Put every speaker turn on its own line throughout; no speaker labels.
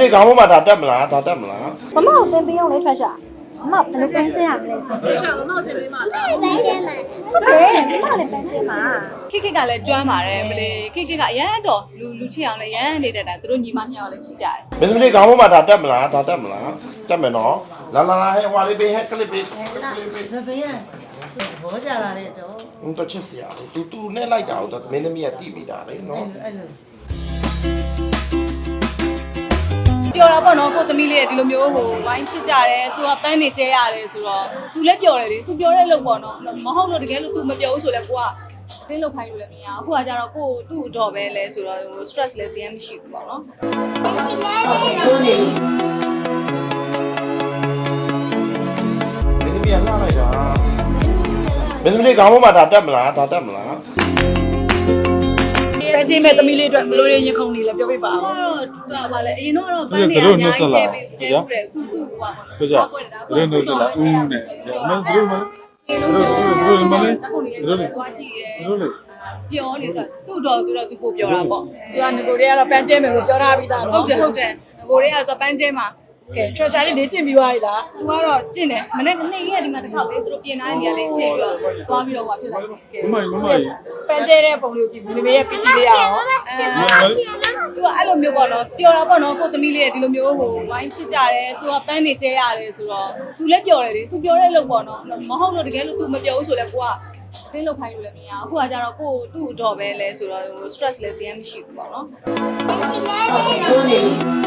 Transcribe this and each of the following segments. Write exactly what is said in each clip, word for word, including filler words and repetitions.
လေးခေါင်းပေါ်မှာဒါတက်မလားဒါတက်မလား
မမကိုသင်ပေးအောင်လေထွက်ရှာမမဘယ်လိုပန်းကျင်းရမလဲ
ထွက်ရှာမမတင်ပေးမှာလား
ပန်းကျင်းမှာဟုတ်တယ်မမလည်းပန်းကျင်းမှာ
ခိခိကလည်းကျွမ်းပါတယ်မလေးခိခိကအရန်တော့လူလူချစ်အောင်လည်းရန်နေတတ်တာသူတို့ညီမညောင်လည်းချစ်ကြတယ်
မင်းသမီးလေးခေါင်းပေါ်မှာဒါတက်မလားဒါတက်မလားတက်မယ်နော်လာလာလာဟဲ့ဟွာလေးပေးဟဲ့ကလစ်ပေးကလစ်ပေး
စပင်းရဘောကြလာတဲ့တော့
ဟိုတော့ချစ်စရာတူတူနဲ့လိုက်တာတော့မင်းသမီးကတိပြီးတာလေနော်
အဲ့လို
ပြောတာပေါ့နော်ကိုသမီးလေးကဒီလိုမျိုးဟိုဝိုင်းချစ်ကြတယ်သူကပန်းနေကျဲရတယ်ဆိုတော့သူလည်းပြောတယ်လေသူပြောတဲ့လို့ပေါ့နော်မဟုတ်လို့တကယ်လို့ तू မပြောဘူးဆိုလဲကိုကတင်းလောက်ခိုင်းလို့လည်းမရဘူးအခုကကြတော့ကိုသူ့အတော်ပဲလဲဆိုတော့ stress လည်းတင်းမရှိဘူးပေါ့နော်
ကိုနေ
မင်းသမီးကလှလိုက်တာမင်းသမီးလေးခေါင်းပေါ်မှာဒါတက်မလားဒါတက်မလား
ပဲချင်းမဲ့သမီးလေးအတွက်ဘလို့ရရင်ခုန်နေလဲပြောပြပါအောင်တော့ပါလေအရင်တော့ပန်းနေအများကြီးကျဲပြီးကျဲပြီးတယ်ခုခုဟိုပါ
ပြောကြရင်းတို့စလာဦးနဲ့မင်းတို့မလဲတို့တို့မလဲတို့လေ
သွားကြည့်ရဲ
တို့လေ
ပြောနေတာသူ့တော်ဆိုတော့သူကိုပြောတာပေါ့သူကငကိုတွေကတော့ပန်းကျဲမယ်လို့ပြောထားပြီးသားဟုတ်တယ်ဟုတ်တယ်ငကိုတွေကတော့ပန်းကျဲမှာကဲ treasure လေးလေ့ကျင့်ပြီးသွားပြီလားသူကတော့ကျင့်တယ်မနေ့ကနေရက်ဒီမှာတစ်ခါပဲသူတို့ပြင်ထားနေရလေကျင့်ပြီးတော့သွားပြီးတော့ဟိုဖြစ်လာတယ်ကဲ
မမမမ
ပန်းကျဲတဲ့ပုံလေးကိုကြည့်မိမေရဲ့ပီတီလေးရအောင်အဲသူကအဲ့လိုမျိုးပေါ့နော်ပြောတာပေါ့နော်ကိုသမီးလေးကဒီလိုမျိုးဟိုဝိုင်းချစ်ကြတယ်သူကပန်းနေကျဲရတယ်ဆိုတော့သူလည်းပြောတယ်လေသူပြောတဲ့လို့ပေါ့နော်မဟုတ်လို့တကယ်လို့ तू မပြောဘူးဆိုလဲကိုကတင်းလောက်ခိုင်းလို့လည်းမရဘူးအခုကကြတော့ကိုသူ့အတော်ပဲလဲဆိုတော့ stress လည်းတင်းမရှိဘူးပေါ့နော်
ကိုနေ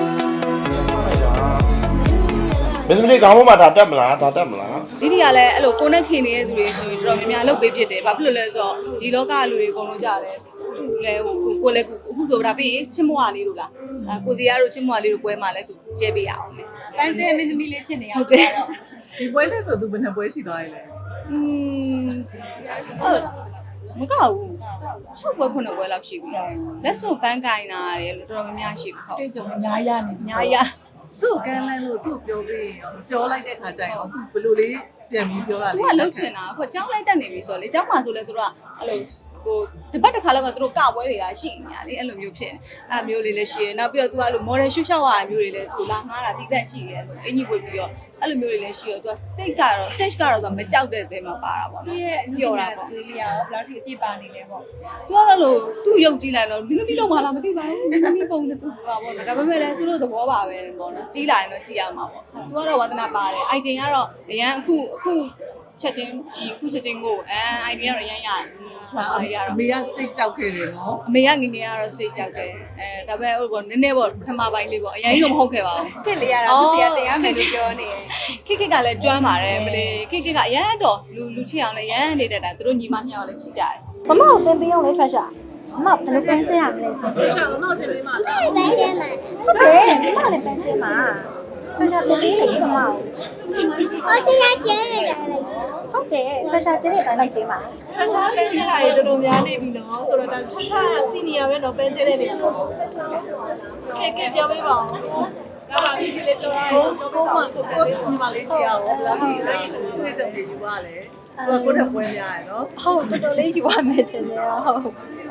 မင်းသမီးလေးခေါင်းပေါ်မှာဒါတက်မလားဒါတက်မလား
ဒီဒီကလည်းအဲ့လိုကိုနဲ့ခင်နေတဲ့သူတွေဆိုရင်တော်တော်များများလုပ်ပေးဖြစ်တယ်ဘာဖြစ်လို့လဲဆိုတော့ဒီလောကလူတွေအကုန်လုံးကြတယ်သူလည်းဟိုကိုလည်းအခုဆိုဒါပြီးချစ်မွားလေးတို့လားအဲကိုစီရတို့ချစ်မွားလေးတို့ပွဲမှာလည်းသူကျဲပေးရအောင်မယ်ပန်းကျဲမင်းသမီးလေးဖြစ်နေရဟုတ်တယ်
ဒီပွဲနဲ့ဆိုသူဘယ်နှပွဲရှိသွားပြီလဲ
อืมအဲ့မကောက်ဘူး၆ပွဲခုနှစ်ပွဲလောက်ရှိပြီလက်စုံပန်းကင်တာရတယ်လို့တော်တော်များများရှိပြီဟုတ်
တွေ့ကြုံအများရနေ
အများကြီး
သူ့ကမ်းလန်းလို့သူ့ပြောပြီးရောပြောလိုက်တဲ့ခါကျရင်သူဘယ်လိုလေးပြန်ပြီးပြောတာ
သူ
လဲ
ကလှုပ်ချင်တာအခုကြောင်းလိုက်တက်နေပြီဆိုတော့လေကြောင်းမှာဆိုလဲသူတို့ကအဲ့လိုဟိုဒီဘက်တစ်ခါလောက်ကသူတို့ကပွဲတွေကရှိနေတာလေအဲ့လိုမျိုးဖြစ်နေအဲ့မျိုးလေးလည်းရှိရနောက်ပြီးတော့သူကအဲ့လို model ရှုပ်ရှောက်ရတာမျိုးတွေလည်းသူလာငားတာတိတက်ရှိရဲအင်ကြီးဝင်ပြီးတော့အဲ့လိုမျိုးတွေလည်းရှိရောသူက stage ကတော့ stage ကတော့သူကမကြောက်တဲ့အသေးမှပါတာပေါ့နော်ပြောတာပေါ့
ဒီရအောင်ဘယ်လောက်ထိအပြစ်ပါနေလဲပေါ့
သူကတော့လို့သူ့ရုပ်ကြည့်လိုက်တော့မင်းသမီးလုံးမလားမသိပါဘူးမင်းသမီးပုံနဲ့သူပါပေါ့နော်ဒါပေမဲ့လည်းသူတို့သဘောပါပဲပေါ့နော်ကြီးလာရင်တော့ကြည့်ရမှာပေါ့သူကတော့ဝါသနာပါတယ်အိုင်တင်ကတော့အရန်အခုအခုချက်ချင်းကြီးအခုချက်ချင်းကိုအဲအိုင်ဒီကတော့အရန်ရတယ်ဆိုတော့ရတော့
အမေက stage ကြောက်ခဲ့တယ်နော်
အမေကငငယ်ကတော့ stage ကြောက်တယ်အဲဒါပေမဲ့ဟိုပေါ့နည်းနည်းပေါ့ပထမပိုင်းလေးပေါ့အရင်ကြီးတော့မဟုတ်ခဲ့ပါဘူး
ခက်လေးရတာသူစီကတရားမယ်လို့ပြောနေတယ်
ခိခိကလည်းကျွမ်းပါတယ်မလေးခိခိကအရန်တော့လူလူချစ်အောင်လည်းရန်နေတတ်တာသူတို့ညီမညောင်လည်းချစ်ကြတယ်
မမကိုသင်ပေးအောင်လေထွက်ရှာမမဘယ်လိုပန်းကျင်းရမလဲ
ထွက်ရှာမမတင်ပေးမှာလား
ပန်းကျင်းမှာဟုတ်တယ်မမလည်းပန်းကျင်းမှာထွက်ရှာသင်ပေးလေမမကိုဟုတ်တယ်ကျင်းရတယ်ဟုတ်တယ်ထွက်ရှာကျင်းတဲ့တိုင်းလိုက်ကျင်းမှာ
ထရှားပန်းကျဲတာတွေတော်တော်များနေပြီနော်ဆိုတော့ဒါထရှားစီနီယာပဲတော့ပန်းကျဲတဲ့နေကဲကဲပြောပေးပါဦးဒါပါပြီဒီလေးပြောရအောင်
ကိုမကိုကိုညီမလေးရှိရအောင်ဘယ်လောက်ထိတွေ့ကြုံနေယူပါလဲသူကကိုယ့်ထက်ပွဲများရယ်နော်
ဟုတ်တော်တော်လေးယူရမယ်ထင်တယ်ဟုတ်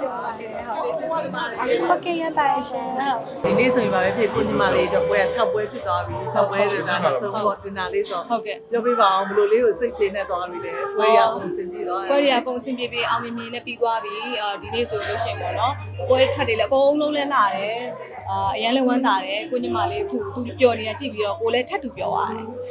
ဟုတ်ကဲ့ရပါရှင်ဟုတ်
ဒီနေ့ဆိုရင်ပါပဲဖြစ်ကိုညီမလေးတော့ပွဲက၆ပွဲဖြစ်သွားပြီ၆ပွဲတွေတော့သုံးဖို့တင်တာလေးဆို
ဟုတ်ကဲ့
ပြောပြပါအောင်ဘယ်လိုလေးကိုစိတ်ကျေနပ်သွားပြီလဲပွဲရအောင်ဆင်ပြေသွားတယ်
ပွဲတွေကအကုန်အဆင်ပြေပြေအောင်မြင်မြင်နဲ့ပြီးသွားပြီအာဒီနေ့ဆိုလို့ရှိရင်ပေါ့နော်ပွဲထွက်တယ်လည်းအကုန်လုံးလဲလာတယ်အာအရန်လည်းဝမ်းသာတယ်ကိုညီမလေးအခုသူပျော်နေတာကြည့်ပြီးတော့ကိုလည်းထပ်တူပျော်သွားတယ်